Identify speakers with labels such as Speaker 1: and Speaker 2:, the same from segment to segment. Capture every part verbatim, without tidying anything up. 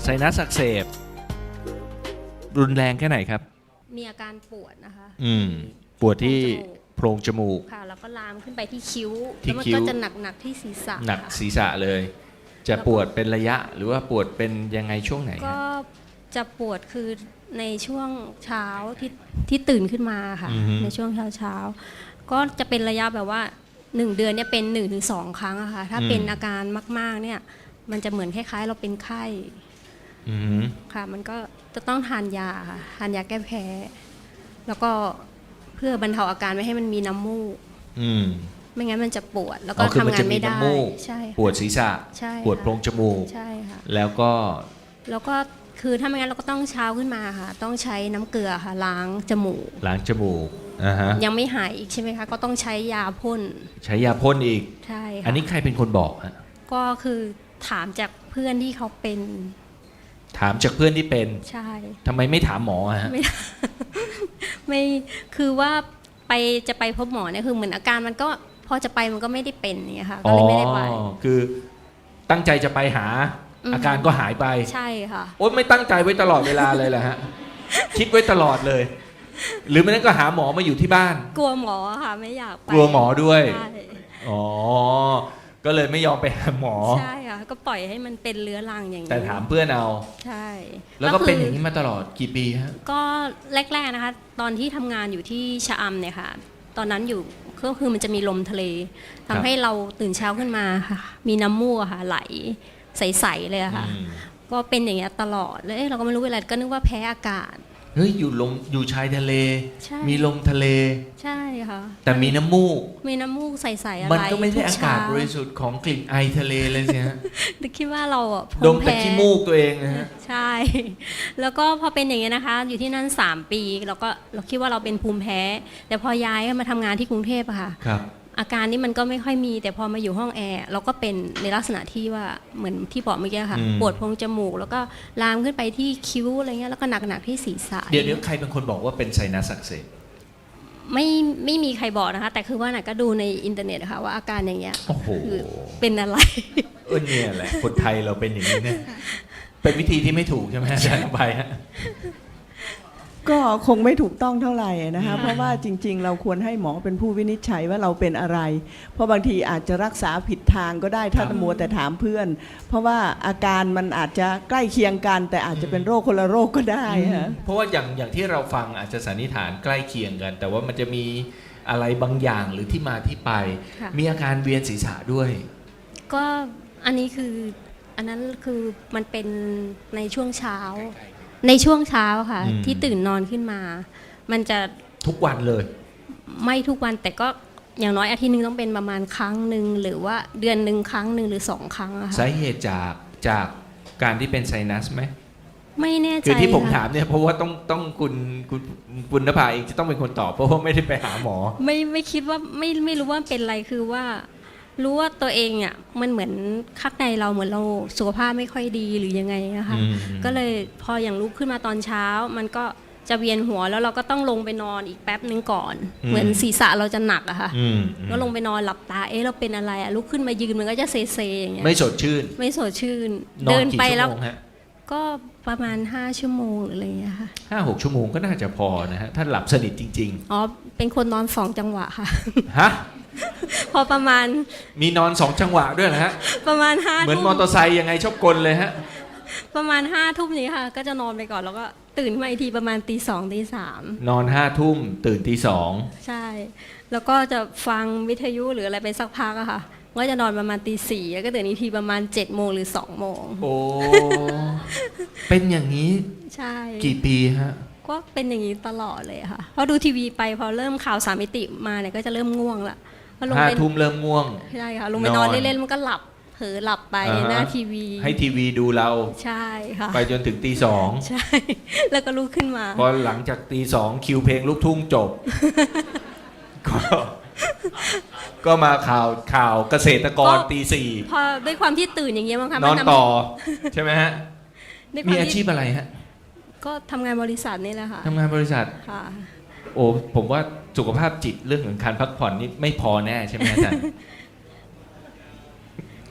Speaker 1: ซนัสอักเสบรุนแรงแค่ไหนครับ
Speaker 2: มีอาการปวดนะคะ
Speaker 1: อืมปวดที่โพรงจมูก
Speaker 2: ค่ะแล้วก็ลามขึ้นไปที่คิ้ว
Speaker 1: ที่
Speaker 2: แล้วมัน
Speaker 1: คิ้ว
Speaker 2: ก็จะหนักหนักที่ศีรษะ
Speaker 1: หนักศีรษะเลย จะปวดเป็นระยะหรือว่าปวดเป็นยังไงช่วงไหน
Speaker 2: ก็จะปวดคือในช่วงเช้าที่ที่ตื่นขึ้นมาค่ะในช่วงเช้าเช้าก็จะเป็นระยะแบบว่าหนึ่งเดือนเนี่ยเป็นหนึ่งถึงสองครั้งอะค่ะถ้าเป็นอาการมากๆเนี่ยมันจะเหมือนคล้ายๆเราเป็นไข้ค่ะมันก็จะต้องทานยาค่ะทานยาแก้แพ้แล้วก็เพื่อบรรเทาอาการไม่ให้มันมีน้ำมูกไม่งั้นมันจะปวดแล้วก็ทำงานไม่ได้ใช่
Speaker 1: ปวดศีรษะปวดโพรงจมูก
Speaker 2: ใช่ค่ะ
Speaker 1: แล้วก็
Speaker 2: แล้วก็คือถ้าไม่งั้นเราก็ต้องเช้าขึ้นมาค่ะต้องใช้น้ำเกลือค่ะล้างจมูก
Speaker 1: ล้างจมูกอ่าฮะ
Speaker 2: ยังไม่หายอีกใช่ไหมคะก็ต้องใช้ยาพ่น
Speaker 1: ใช้ยาพ่นอีก
Speaker 2: ใช่ค่ะ
Speaker 1: อันนี้ใครเป็นคนบอกฮะ
Speaker 2: ก็คือถามจากเพื่อนที่เขาเป็น
Speaker 1: ถามจากเพื่อนที่เป็น
Speaker 2: ใช่
Speaker 1: ทำไมไม่ถามหมอฮะ
Speaker 2: ไม่ไม่คือว่าไปจะไปพบหมอเนี่ยคือเหมือนอาการมันก็พอจะไปมันก็ไม่ได้เป็นเนี่ยค่ะก็เลยไม่ได้ไป
Speaker 1: คือตั้งใจจะไปหาอาการก็หายไป
Speaker 2: ใช่ค่ะ
Speaker 1: โอ๊ยไม่ตั้งใจไว้ตลอดเวลาเลยแหละฮะคิดไว้ตลอดเลยหรือไม่นั้นก็หาหมอมาอยู่ที่บ้าน
Speaker 2: กลัวหมอค่ะไม่อยากไป
Speaker 1: กลัวหมอด้วยอ๋อก็เลยไม่ยอมไปหาหมอ
Speaker 2: ใช่ค่ะก็ปล่อยให้มันเป็นเรื้อรังอย่างนี้
Speaker 1: แต่ถามเพื่อนเอา
Speaker 2: ใช่
Speaker 1: แล้วก็เป็นอย่างนี้มาตลอดกี่ปีฮะ
Speaker 2: ก็แรกๆนะคะตอนที่ทำงานอยู่ที่ชะอำเนี่ยค่ะตอนนั้นอยู่ก็คือมันจะมีลมทะเลทำให้เราตื่นเช้าขึ้นมาค่ะมีน้ำมูกค่ะไหลใสๆเลยค่ะก็เป็นอย่างเงี้ยตลอดเลยเราก็ไม่รู้อะไรก็นึกว่าแพ้อากาศ
Speaker 1: เฮ้ยอยู่ลมอยู่ชายทะเลมีลมทะเล
Speaker 2: ใช่ค่ะ
Speaker 1: แต่มีน้ำมูก
Speaker 2: มีน้ำมูกใสๆอะไร
Speaker 1: มันก็ไม่ใช่อากาศบริสุทธิ์ของกลิ่นไอทะเลเลยสิฮะ
Speaker 2: คิดว่าเราอ่ะ
Speaker 1: ดมแต่ขี้มูกตัวเองนะฮะ
Speaker 2: ใช่แล้วก็พอเป็นอย่างเงี้ยนะคะอยู่ที่นั่นสามปีเราก็เราคิดว่าเราเป็นภูมิแพ้แต่พอย้ายมาทำงานที่กรุงเทพอะค่ะอาการนี้มันก็ไม่ค่อยมีแต่พอมาอยู่ห้องแอร์เราก็เป็นในลักษณะที่ว่าเหมือนที่บอกเมื่อกี้ค่ะปวดโพรงจมูกแล้วก็ลามขึ้นไปที่คิ้วอะไรเงี้ยแล้วก็หนักๆที่ศีรษะ
Speaker 1: เดี๋ยวเดี๋ยวใครเป็นคนบอกว่าเป็นไซนัสอักเสบ
Speaker 2: ไม่ไม่มีใครบอกนะคะแต่คือว่าน่ะก็ดูในอินเทอร์เน็ตค่ะว่าอาการอย่างเงี้ยคือเป็นอะไร
Speaker 1: เออเนี่ยแหละคนไทยเราเป็นอย่างนี้เนี่ยเป็นวิธีที่ไม่ถูกใช่ไหมอาจารย์ไปฮะ
Speaker 3: ก็คงไม่ถูกต้องเท่าไหร่นะคะเพราะว่าจริงๆเราควรให้หมอเป็นผู้วินิจฉัยว่าเราเป็นอะไรเพราะบางทีอาจจะรักษาผิดทางก็ได้ถ้ามัวแต่ถามเพื่อนเพราะว่าอาการมันอาจจะใกล้เคียงกันแต่อาจจะเป็นโรคคนละโรคก็ได้ฮะ
Speaker 1: เพราะว่าอย่างอย่างที่เราฟังอาจจะสันนิษฐานใกล้เคียงกันแต่ว่ามันจะมีอะไรบางอย่างหรือที่มาที่ไปมีอาการเวียนศีรษะด้วย
Speaker 2: ก็อันนี้คืออันนั้นคือมันเป็นในช่วงเช้าในช่วงเช้าค่ะที่ตื่นนอนขึ้นมามันจะ
Speaker 1: ทุกวันเลย
Speaker 2: ไม่ทุกวันแต่ก็อย่างน้อยอาทิตย์นึงต้องเป็นประมาณครั้งหนึ่งหรือว่าเดือนหนึ่งครั้งหนึ่งหรือสองครั้งอะค่ะ
Speaker 1: สาเหตุจากจากการที่เป็นไซนัสไหม
Speaker 2: ไม่แน่ใจ
Speaker 1: คือที่ผมถามเนี่ยเพราะว่าต้องต้องคุณคุณคุณณภาเองจะต้องเป็นคนตอบเพราะว่าไม่ได้ไปหาหมอ
Speaker 2: ไม่ไม่คิดว่าไม่ไม่รู้ว่าเป็นอะไรคือว่ารู้ว่าตัวเองอ่ะมันเหมือนข้างในเราเหมือนเราสุขภาพไม่ค่อยดีหรือยังไงนะคะก็เลยพออย่างลุกขึ้นมาตอนเช้ามันก็จะเวียนหัวแล้วเราก็ต้องลงไปนอนอีกแป๊บนึงก่อนเหมือนศีรษะเราจะหนักอะค่ะก็ลงไปนอนหลับตาเอ๊ะเราเป็นอะไรอะลุกขึ้นมายืนมันก็จะเซเซอย่างเงี้ย
Speaker 1: ไม่สดชื่น
Speaker 2: ไม่สดชื่นเดินไปแล้วก็ประมาณห้าชั่วโมงหรืออะไรอย่างเงี้ยค่ะ
Speaker 1: ห้าหกชั่วโมงก็น่าจะพอนะฮะถ้าหลับสนิทจริง
Speaker 2: ๆอ๋อเป็นคนนอนสองจังหวะค่ะ
Speaker 1: ฮะ
Speaker 2: พอประมาณ
Speaker 1: มีนอนสองจังหวะด้วยนะฮะ
Speaker 2: ประมาณห้า
Speaker 1: เหมือนมอเตอร์ไซค์ยังไงชอบกลเลยฮะ
Speaker 2: ประมาณห้าทุ่มนี้ค่ะก็จะนอนไปก่อนแล้วก็ตื่นมาอีกทีประมาณตีสองตีสาม
Speaker 1: นอนห้าทุ่มตื่นตีสอง
Speaker 2: ใช่แล้วก็จะฟังวิทยุหรืออะไรไปสักพักอะค่ะก็จะนอนประมาณตีสี่แล้วก็ตื่นอีกทีประมาณเจ็ดโมงหรือสองโมง
Speaker 1: โอ้เป็นอย่างนี้
Speaker 2: ใช่
Speaker 1: กี่ปีฮะ
Speaker 2: ก็เป็นอย่างนี้ตลอดเลยค่ะพอดูทีวีไปพอเริ่มข่าวสามมิติมาเนี่ยก็จะเริ่มง่วงละ
Speaker 1: ห้าทุ่มเริ่มง่วง
Speaker 2: ใช่ค่ะลงไปนอนเล่นๆมันก็หลับเผลอหลับไปหน้าทีวี
Speaker 1: ให้ทีวีดูเรา
Speaker 2: ใช่ค่ะ
Speaker 1: ไปจนถึงตีสอง
Speaker 2: ใช่แล้วก็ลุกขึ้นมา
Speaker 1: พอหลังจากตีสองคิวเพลงลูกทุ่งจบก็ก็มาข่าวข่าวเกษตรกรตีสี่
Speaker 2: พอด้วยความที่ตื่นอย่างเงี้ยมั้งคะ
Speaker 1: นอนต่อใช่ไหมฮะมีอาชีพอะไรฮะ
Speaker 2: ก็ทำงานบริษัทนี่แหละค่ะ
Speaker 1: ทำงานบริษัท
Speaker 2: ค่ะ
Speaker 1: โอ้ผมว่าสุขภาพจิตเรื่องของการพักผ่อนนี่ไม่พอแน่ใช่ไหมอาจารย์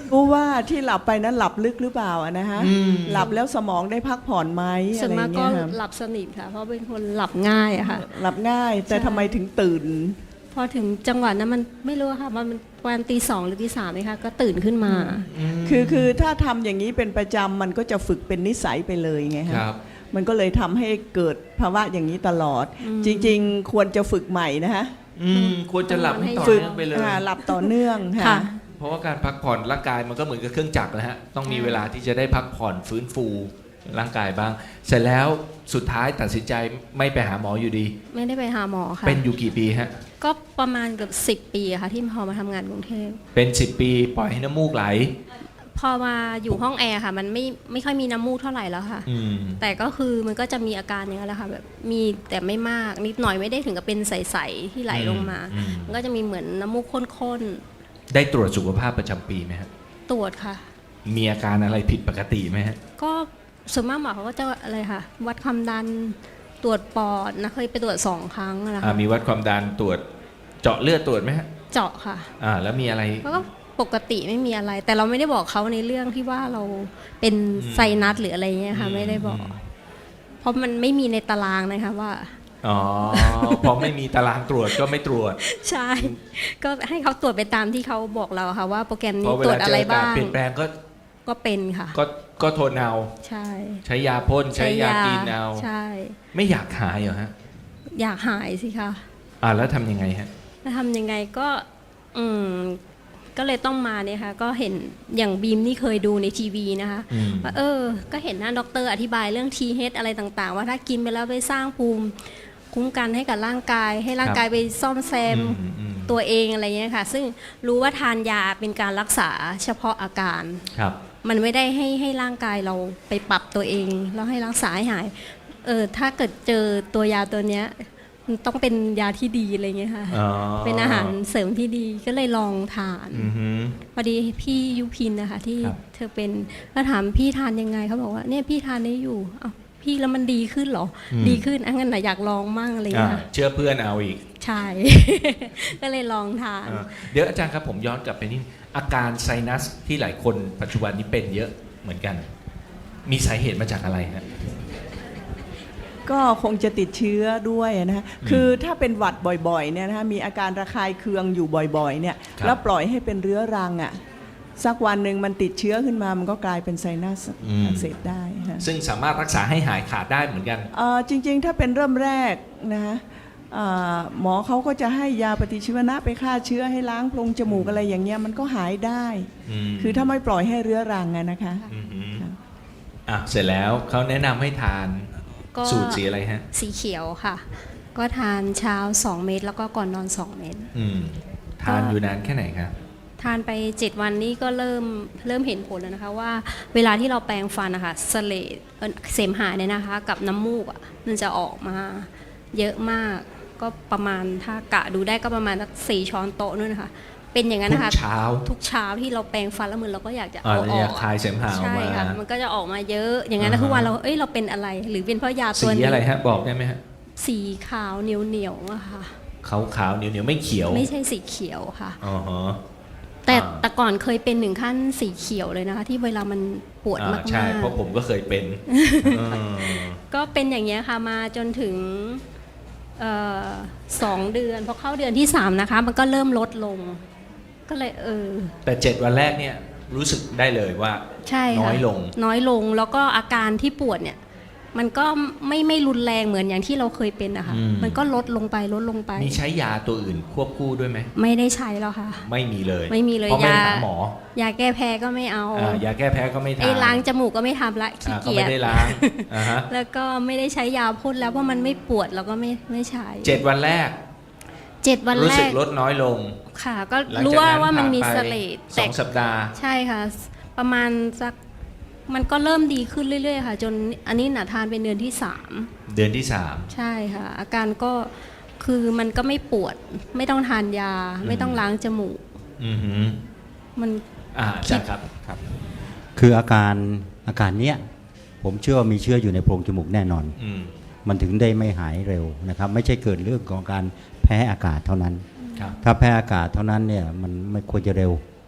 Speaker 3: รู้ว่าที่หลับไปนั้นหลับลึกหรือเปล่าอะนะฮะ
Speaker 1: อืม
Speaker 3: หลับแล้วสมองได้พักผ่อนไหม
Speaker 2: ส่
Speaker 3: อะ
Speaker 2: วน
Speaker 3: ไร
Speaker 2: มากก็
Speaker 3: เงี้ยค่ะ
Speaker 2: หลับสนิทค่ะ เพราะเป็นคนหลับง่ายอะค่ะ
Speaker 3: หลับง่าย แต่
Speaker 2: ใช่
Speaker 3: ทำไมถึงตื่น
Speaker 2: พอถึงจังหวะนั้นมันไม่รู้ค่ะว่ามันประมาณตีสองหรือตีสามเลยค่ะก็ตื่นขึ้นมา
Speaker 3: คือคือถ้าทำอย่างนี้เป็นประจำมันก็จะฝึกเป็นนิสัยไปเลยไง
Speaker 1: ค
Speaker 3: ฮะ
Speaker 1: รับ
Speaker 3: มันก็เลยทำให้เกิดภาวะอย่างนี้ตลอด
Speaker 2: อืม
Speaker 3: จริงๆ ควรจะฝึกใหม่นะฮะ
Speaker 1: อืมควรจะหลับให้ต่อ
Speaker 3: ฝึก
Speaker 1: เนื่องไปเลย
Speaker 3: อ่าหลับต่อเนื่อง
Speaker 2: ค่ะ
Speaker 3: ค่ะ
Speaker 1: เพราะว่าการพักผ่อนร่างกายมันก็เหมือนกับเครื่องจักรนะฮะ ต้องมีเวลาที่จะได้พักผ่อนฟื้นฟูร่างกายบ้าง เสร็จแล้วสุดท้ายตัดสินใจไม่ไปหาหมออยู่ดี
Speaker 2: ไม่ได้ไปหาหมอค่ะ
Speaker 1: เป็นอยู่กี่ปีฮะ
Speaker 2: ก็ประมาณเกือบสิบปีอะค่ะ ที่พอมาทำงานกรุงเทพ
Speaker 1: เป็นสิบปีปล่อยให้น้ำมูกไหล
Speaker 2: พอมาอยู่ห้องแอร์ค่ะ มันไม่ไม่ค่อยมีน้ำมูกเท่าไหร่แล้วค่ะ
Speaker 1: อืม
Speaker 2: แต่ก็คือมันก็จะมีอาการอย่างนั้นแหละค่ะแบบมีแต่ไม่มากนิดหน่อยไม่ได้ถึงกับเป็นใสๆที่ไหลลงมา
Speaker 1: อืม
Speaker 2: มันก็จะมีเหมือนน้ำมูกข้น
Speaker 1: ได้ตรวจสุขภาพประจำปีไหมฮะ
Speaker 2: ๆตรวจค่ะ
Speaker 1: มีอาการอะไรผิดปกติไหมฮะ
Speaker 2: ก็ส่วนมากหมอเขาก็จะอะไรค่ะวัดความดันตรวจปอดนะเคยไปตรวจสองครั้งนะ
Speaker 1: อ่า
Speaker 2: คะ
Speaker 1: มีวัดความดันตรวจเจาะเลือดตรวจไหมฮะ
Speaker 2: เจาะค่ะ
Speaker 1: อ่า แล้วมีอะไร
Speaker 2: แล้วก็ปกติไม่มีอะไร แต่เราไม่ได้บอกเขาในเรื่องที่ว่าเราเป็น
Speaker 1: อืม
Speaker 2: ไซนัสหรืออะไรเงี้ยค่ะ ไม่ได้บอก เพราะมันไม่มีในตารางนะคะว่า
Speaker 1: อ๋อ พอไม่มีตารางตรวจก็ไม่ตรวจ
Speaker 2: ใช่ ก็ให้เขาตรวจไปตามที่เขาบอกเราค่ะว่าโปรแกรม
Speaker 1: เพ
Speaker 2: นี้
Speaker 1: ราะเว
Speaker 2: ตรว
Speaker 1: ลา
Speaker 2: จ
Speaker 1: เจ
Speaker 2: อะไร
Speaker 1: ออากาศ
Speaker 2: บ้าง
Speaker 1: เปลี่ยนแปลงก็
Speaker 2: ก็เป็นค่ะ
Speaker 1: ก็ก็ทนเอา
Speaker 2: ใช่
Speaker 1: ใช้ยาพ่นใช้ยากินเอา
Speaker 2: ใช่
Speaker 1: ไม่อยากหายเหรอฮะ
Speaker 2: อยากหายสิคะ
Speaker 1: อ่าแล้วทำยังไงฮะ
Speaker 2: จะทำยังไงก็อืมก็เลยต้องมาเนี่ยค่ะก็เห็นอย่างบีมนี่เคยดูในทีวีนะคะ
Speaker 1: อืม
Speaker 2: ว่าเออ ก็เห็นหน้าด็อกเตอร์อธิบายเรื่อง ที เอช อะไรต่างๆ ว่าถ้ากินไปแล้วไปสร้างภูมิคุ้มกันให้กับร่างกาย ให้ร่างกายไปซ่อมแซม
Speaker 1: อืมอืม
Speaker 2: ตัวเองอะไรเงี้ยค่ะ ซึ่งรู้ว่าทานยาเป็นการรักษาเฉพาะอาการ
Speaker 1: ครับ
Speaker 2: มันไม่ได้ให้ให้ร่างกายเราไปปรับตัวเอง แล้วให้รักษาให้หาย เออถ้าเกิดเจอตัวยาตัวเนี้ยมันต้องเป็นยาที่ดีอะไรเงี้ยค่ะ
Speaker 1: อ๋อ
Speaker 2: เป็นอาหารเสริมที่ดีก็เลยลองทาน
Speaker 1: อือฮึ
Speaker 2: พอดีพี่ยุพินนะคะที่
Speaker 1: ครับ
Speaker 2: เธอเป็นก็ถามพี่ทานยังไงเขาบอกว่าเนี่ยพี่ทานได้อยู่อ้าวพี่แล้วมันดีขึ้นเหรอ ดีขึ้นอ่ะงั้นนะอยากลองมั่งอะไร
Speaker 1: อ่า
Speaker 2: เงี้ย
Speaker 1: เชื่อเพื่อนเอาอีก
Speaker 2: ใช่ ก็เลยลองทาน
Speaker 1: อ่าเดี๋ยวอาจารย์ครับผมย้อนกลับไปนิดอาการไซนัสที่หลายคนปัจจุบันนี้เป็นเยอะเหมือนกัน มีสาเหตุมาจากอะไรฮะ
Speaker 3: ก็คงจะติดเชื้อด้วยนะฮะคือถ้าเป็นหวัดบ่อยๆเนี่ยนะฮะมีอาการระคายเคืองอยู่บ่อยๆเนี่ย
Speaker 1: ครับ
Speaker 3: แล้วปล่อยให้เป็นเรื้อรังอ่ะสักวันหนึ่งมันติดเชื้อขึ้นมามันก็กลายเป็นไซนัสอักเสบได้ฮะ
Speaker 1: ซึ่งสามารถรักษาให้หายขาดได้เหมือนกัน
Speaker 3: เอ่อจริงๆ ถ้าเป็นเริ่มแรกนะฮะเอ่อหมอเขาก็จะให้ยาปฏิชีวนะไปฆ่าเชื้อให้ล้างโพรงจมูกอะไรอย่างเงี้ยมันก็หายได้
Speaker 1: ม
Speaker 3: คือถ้าไม่ปล่อยให้เรื้อรังอะนะคะ
Speaker 1: อือฮึ
Speaker 3: ครับ
Speaker 1: อ่ะเสร็จแล้วเขาแนะนำให้ทาน
Speaker 2: ก็
Speaker 1: สูตรสีอะไรฮะ
Speaker 2: สีเขียวค่ะ ก็ทานเช้าสองเม็ดแล้วก็ก่อนนอนสองเม็ด
Speaker 1: อืมทานอยู่นานแค่ไหนครับ
Speaker 2: ทานไปเจ็ดวันนี้ก็เริ่มเริ่มเห็นผลแล้วนะคะว่าเวลาที่เราแปรงฟันนะคะเสลดเอ่อเสมหะเนี่ยนะคะ กับน้ำมูกอ่ะมันจะออกมาเยอะมากก็ประมาณถ้ากะดูได้ก็ประมาณสักสี่ช้อนโต๊ะนู่นนะคะ เป็นอย่างนั้น
Speaker 1: ทุ
Speaker 2: นะคะ
Speaker 1: กเช้า
Speaker 2: ทุกเช้าที่เราแปรงฟันแล้วมือเราก็อยากจะ
Speaker 1: อ่า
Speaker 2: เอา
Speaker 1: เรา
Speaker 2: อ
Speaker 1: อ
Speaker 2: อย
Speaker 1: าก
Speaker 2: ก
Speaker 1: คลายเสมหะออก
Speaker 2: ใช่
Speaker 1: มา
Speaker 2: ค่ะมันก็จะออกมาเยอะ อย่างนั้น
Speaker 1: อ่า
Speaker 2: นะ
Speaker 1: ฮะ
Speaker 2: ทุกวันเราเอ้ยเราเป็นอะไร หรือเป็นเพราะยา
Speaker 1: สี
Speaker 2: ตัวนี้
Speaker 1: อะไรฮะบอกได้ไหมฮะ
Speaker 2: สีขาวเหนียวเหนียวๆอะค่ะ
Speaker 1: ขาวขาวๆเหนียวเหนียวๆไม่เขียว
Speaker 2: ไม่ใช่สีเขียวค่ะ
Speaker 1: อ๋อฮะ
Speaker 2: แต่
Speaker 1: อ่า
Speaker 2: แต่ก่อนเคยเป็นถึงขั้นสีเขียวเลยนะคะ ที่เวลามันปวด
Speaker 1: อ่าม
Speaker 2: าก
Speaker 1: ใช่เพราะผมก็เคยเป็นเออ
Speaker 2: ๆก็เป็นอย่างเงี้ยค่ะมาจนถึงเอ่อสองเดือนพอเข้าเดือนที่สามนะคะ มันก็เริ่มลดลง ก็เลยเออ
Speaker 1: แต่เจ็ดวันแรกเนี่ยรู้สึกได้เลยว่า
Speaker 2: ใช่ค่ะ
Speaker 1: น้อยลง
Speaker 2: น้อยลงแล้วก็อาการที่ปวดเนี่ย มันก็ไม่ไม่รุนแรงเหมือนอย่างที่เราเคยเป็นนะคะ
Speaker 1: อืม
Speaker 2: มันก็ลดลงไปลดลงไป
Speaker 1: มีใช้ยาตัวอื่นควบคู่ด้วยไหม
Speaker 2: ไม่ได้ใช้แล้วค่ะ
Speaker 1: ไม่มีเลย
Speaker 2: ไม่มีเลย
Speaker 1: เพราะไม่
Speaker 2: ยา
Speaker 1: หาหมอย
Speaker 2: าแก้แพ้ก็ไม่เอา
Speaker 1: อ่ายาแก้แพ้ก็ไม่ทาน
Speaker 2: ไอ้ล้างจมูกก็ไม่ทำละขี้
Speaker 1: อ่าก็
Speaker 2: เกีย
Speaker 1: ไม่
Speaker 2: จ
Speaker 1: ได้ล้างอ่าฮะ
Speaker 2: แล้วก็ไม่ได้ใช้ยาพ่นแล้วเพราะมันไม่ปวดเราก็ไม่ไม่ใช้
Speaker 1: เจ็ดวันแรก
Speaker 2: เจ็ดวัน
Speaker 1: รู้
Speaker 2: แร
Speaker 1: สึก
Speaker 2: ก
Speaker 1: ลดน้อยลง
Speaker 2: ค่ะ ก็
Speaker 1: หลัง
Speaker 2: รู้
Speaker 1: จาก
Speaker 2: ว่า
Speaker 1: นั้น
Speaker 2: ว่ามันมี
Speaker 1: ผ่
Speaker 2: เส
Speaker 1: ไป
Speaker 2: ลด
Speaker 1: ส
Speaker 2: แต่
Speaker 1: องสัปดาห์
Speaker 2: ใช่ค่ะ ประมาณสักมันก็เริ่มดีขึ้นเรื่อยๆค่ะ จนอันนี้หนาทานเป็นเดือนที่สาม
Speaker 1: เดือนที่สาม
Speaker 2: ใช่ค่ะ อาการก็คือมันก็ไม่ปวด ไม่ต้องทานยา ไม่ต้องล้างจมูก
Speaker 1: อือหือ
Speaker 2: มัน
Speaker 1: อ่าอาจารย์ครับครับ
Speaker 4: คืออาการอาการเนี้ยผมเชื่อว่ามีเชื้ออยู่ในโพรงจมูกแน่นอน
Speaker 1: อืม
Speaker 4: มันถึงได้ไม่หายเร็วนะครับ ไม่ใช่เกิดเรื่องของการแพ้อากาศเท่านั้น
Speaker 1: ครับ
Speaker 4: ถ้าแพ้อากาศเท่านั้นเนี่ยมันไม่ควรจะเร็ว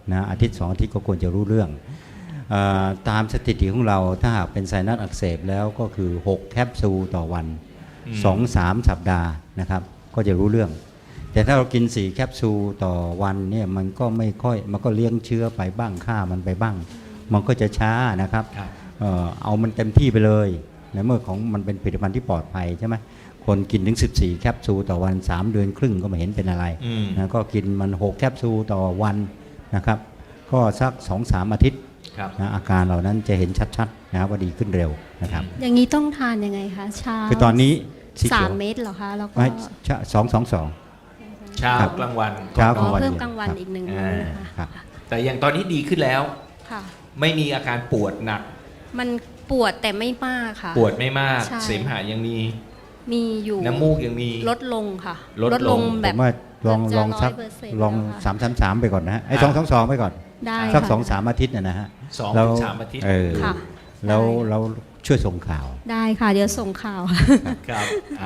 Speaker 4: นะอาทิตย์สองอาทิตย์ก็ควรจะรู้เรื่องเออตามสถิติของเราถ้าหากเป็นไซนัสอักเสบแล้วก็คือหกแคปซูลต่อวัน
Speaker 1: อืม
Speaker 4: สองถึงสาม สัปดาห์นะครับก็จะรู้เรื่อง แต่ถ้าเรากินสี่แคปซูลต่อวันเนี่ยมันก็ไม่ค่อยมันก็เลี้ยงเชื้อไปบ้างฆ่ามันไปบ้าง มันก็จะช้านะครับ
Speaker 1: ครับ
Speaker 4: เอ่อเอามันเต็มที่ไปเลยในเมื่อของมันเป็นผลิตภัณฑ์ที่ปลอดภัยใช่ไหมคนกินถึงสิบสี่แคปซูลต่อวันสามเดือนครึ่งก็ไม่เห็นเป็นอะไร
Speaker 1: อืม
Speaker 4: นะก็กินมันหกแคปซูลต่อวันนะครับก็สัก สองถึงสาม อาทิตย์
Speaker 1: ครับ
Speaker 4: นะอาการเหล่านั้นจะเห็นชัดๆนะครับว่าดีขึ้นเร็วนะครับ
Speaker 2: อย่างนี้ต้องทานยังไงคะเช้า
Speaker 4: คือตอนนี้สี
Speaker 2: สา
Speaker 4: เขีย
Speaker 2: ม
Speaker 4: ว
Speaker 2: เม็ดเหรอคะแล้วก็
Speaker 4: ไม่สองสองสอง
Speaker 1: เช้า
Speaker 4: ครับ
Speaker 1: กลางวัน
Speaker 4: เช้า
Speaker 2: อ๋อ
Speaker 4: วัน
Speaker 2: เพิ่ม
Speaker 4: เดียว
Speaker 2: กลางวัน
Speaker 4: ครับ
Speaker 2: อีกหนึ่ง
Speaker 1: อ่า
Speaker 2: มื้อนะคะ
Speaker 4: ครับ
Speaker 1: แต่อย่างตอนนี้ดีขึ้นแล้ว
Speaker 2: ค่ะ
Speaker 1: ไม่มีอาการปวดหนัก
Speaker 2: มันปวดแต่ไม่มากค่ะ
Speaker 1: ปวดไม่มาก
Speaker 2: ใช่
Speaker 1: เสมหะยังมี
Speaker 2: มีอยู่
Speaker 1: น้ำมูกยังมี
Speaker 2: ลดลงค่ะ
Speaker 1: ลดลง
Speaker 2: แบ
Speaker 4: ผ
Speaker 2: บ
Speaker 4: มว่าลอง
Speaker 2: จะ
Speaker 4: ลองสัก
Speaker 2: ร้อยเปอร์เซ็นต์
Speaker 4: ลอง
Speaker 2: แล้วค่ะ
Speaker 4: สามสามสามไปก่อนนะฮะไอ้
Speaker 1: อ่า
Speaker 4: สองสองสองไปก่อน
Speaker 2: ได้
Speaker 4: สัก
Speaker 2: ค่ะ
Speaker 4: สองสามอาทิตย์นะนะฮะ
Speaker 1: สอง
Speaker 4: แล้ว
Speaker 1: ถึงสามอาทิตย์
Speaker 4: เออ
Speaker 2: ค่ะ
Speaker 4: แล้ว
Speaker 2: ได้
Speaker 4: เราช่วยส่งข่าว
Speaker 2: ได้ค่ะ เดี๋ยวส่งข่าว
Speaker 1: ครับ